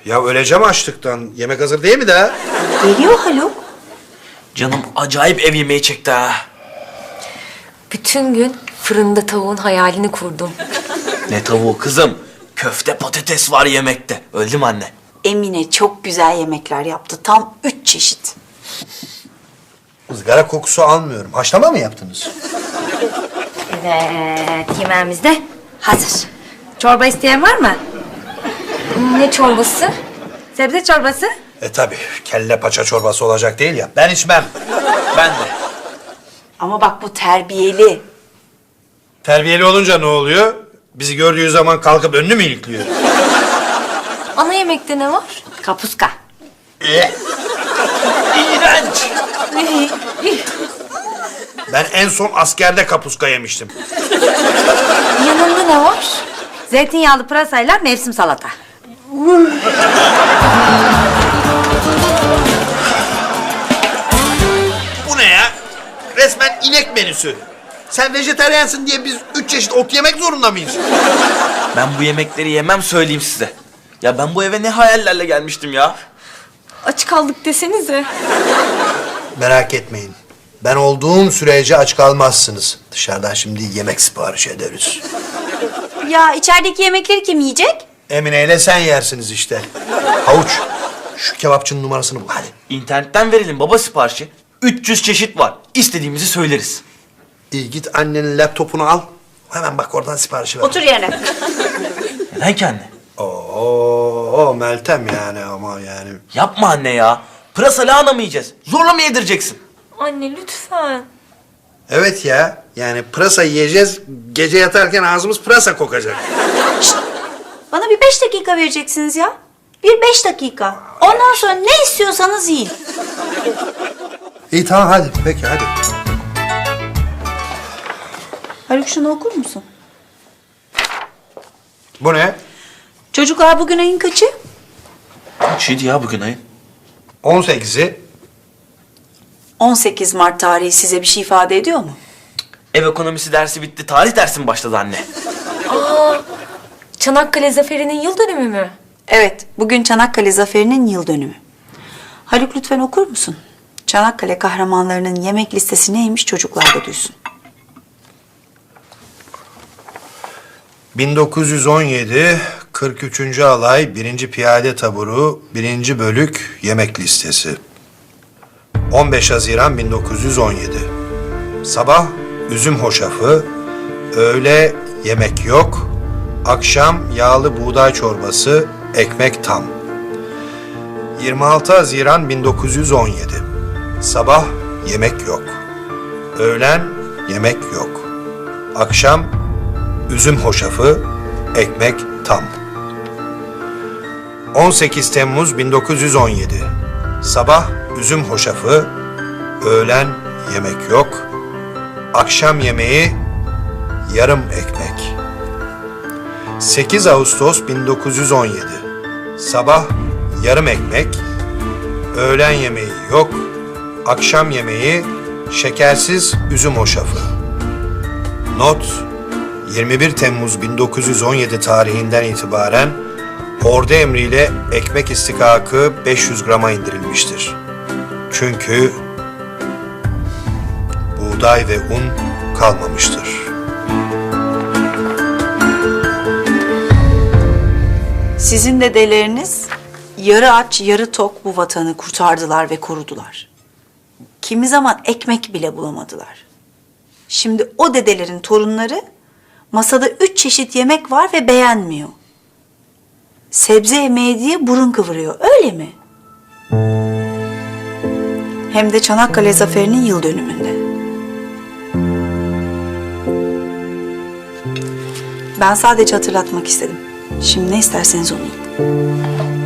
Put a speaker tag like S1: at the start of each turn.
S1: Ya öleceğim açlıktan. Yemek hazır değil mi daha?
S2: Geliyor Haluk.
S3: Canım acayip ev yemeği çekti ha.
S4: Bütün gün fırında tavuğun hayalini kurdum.
S3: Ne tavuğu kızım? Köfte patates var yemekte. Öldü mü anne?
S2: Emine çok güzel yemekler yaptı. Tam 3 çeşit.
S1: Izgara kokusu almıyorum. Haşlama mı yaptınız?
S5: Evet, yemeğimiz de hazır. Çorba isteyen var mı?
S4: Ne çorbası?
S5: Sebze çorbası.
S1: Tabii. Kelle paça çorbası olacak değil ya. Ben içmem.
S3: Ben de.
S2: Ama bak bu terbiyeli.
S1: Terbiyeli olunca ne oluyor? Bizi gördüğü zaman kalkıp önünü mü ilikliyor?
S4: Ana yemekte ne var?
S5: Kapuska.
S3: İğrenç.
S1: Ben en son askerde kapuska yemiştim.
S4: Yanında ne var?
S5: Zeytinyağlı pırasayla mevsim salata.
S1: Bu ne ya? Resmen inek menüsü. Sen vejetaryensin diye biz 3 çeşit ot yemek zorunda mıyız?
S3: Ben bu yemekleri yemem söyleyeyim size. Ya ben bu eve ne hayallerle gelmiştim ya.
S4: Aç kaldık desenize.
S1: Merak etmeyin. Ben olduğum sürece aç kalmazsınız. Dışarıdan şimdi yemek sipariş ederiz.
S2: Ya içerideki yemekleri kim yiyecek?
S1: Emine ile sen yersiniz işte. Havuç, şu kebapçının numarasını bul hadi.
S3: İnternetten verelim baba siparişi. 300 çeşit var. İstediğimizi söyleriz.
S1: İyi git annenin laptopunu al. Hemen bak oradan siparişi ver.
S2: Otur yerine.
S3: Neden ki anne?
S1: Oo Meltem yani ama yani.
S3: Yapma anne ya. Pırasa lahana mı yiyeceğiz? Zorla mı yedireceksin?
S4: Anne lütfen.
S1: Evet ya yani pırasa yiyeceğiz. Gece yatarken ağzımız pırasa kokacak.
S2: Bana bir 5 dakika vereceksiniz ya. Bir 5 dakika. Ondan sonra ne istiyorsanız yiyin.
S1: İyi tamam hadi peki hadi.
S2: Haluk şunu okur musun?
S1: Bu ne?
S2: Çocuklar bugün ayın kaçı?
S3: Kaçıydı ya bugün ayın?
S1: 18'i.
S2: 18 Mart tarihi size bir şey ifade ediyor mu?
S3: Ev ekonomisi dersi bitti. Tarih dersi mi başladı anne?
S4: Çanakkale Zaferi'nin yıl dönümü mü?
S2: Evet, bugün Çanakkale Zaferi'nin yıl dönümü. Haluk lütfen okur musun? Çanakkale kahramanlarının yemek listesi neymiş çocuklar da duysun.
S1: 1917 43. Alay 1. Piyade Taburu 1. Bölük Yemek Listesi. 15 Haziran 1917. Sabah üzüm hoşafı, öğle yemek yok, akşam yağlı buğday çorbası, ekmek tam. 26 Haziran 1917. Sabah yemek yok. Öğlen yemek yok. Akşam üzüm hoşafı, ekmek tam. 18 Temmuz 1917. Sabah üzüm hoşafı, öğlen yemek yok. Akşam yemeği yarım ekmek. 8 Ağustos 1917. Sabah yarım ekmek, öğlen yemeği yok. Akşam yemeği şekersiz üzüm hoşafı. Not: 21 Temmuz 1917 tarihinden itibaren ordu emriyle ekmek istikakı 500 grama indirilmiştir. Çünkü buğday ve un kalmamıştır.
S2: Sizin dedeleriniz yarı aç yarı tok bu vatanı kurtardılar ve korudular. Kimi zaman ekmek bile bulamadılar. Şimdi o dedelerin torunları masada 3 çeşit yemek var ve beğenmiyor. Sebze yemeği diye burun kıvırıyor, öyle mi? Hem de Çanakkale Zaferi'nin yıl dönümünde. Ben sadece hatırlatmak istedim. Şimdi ne isterseniz onu yiyin.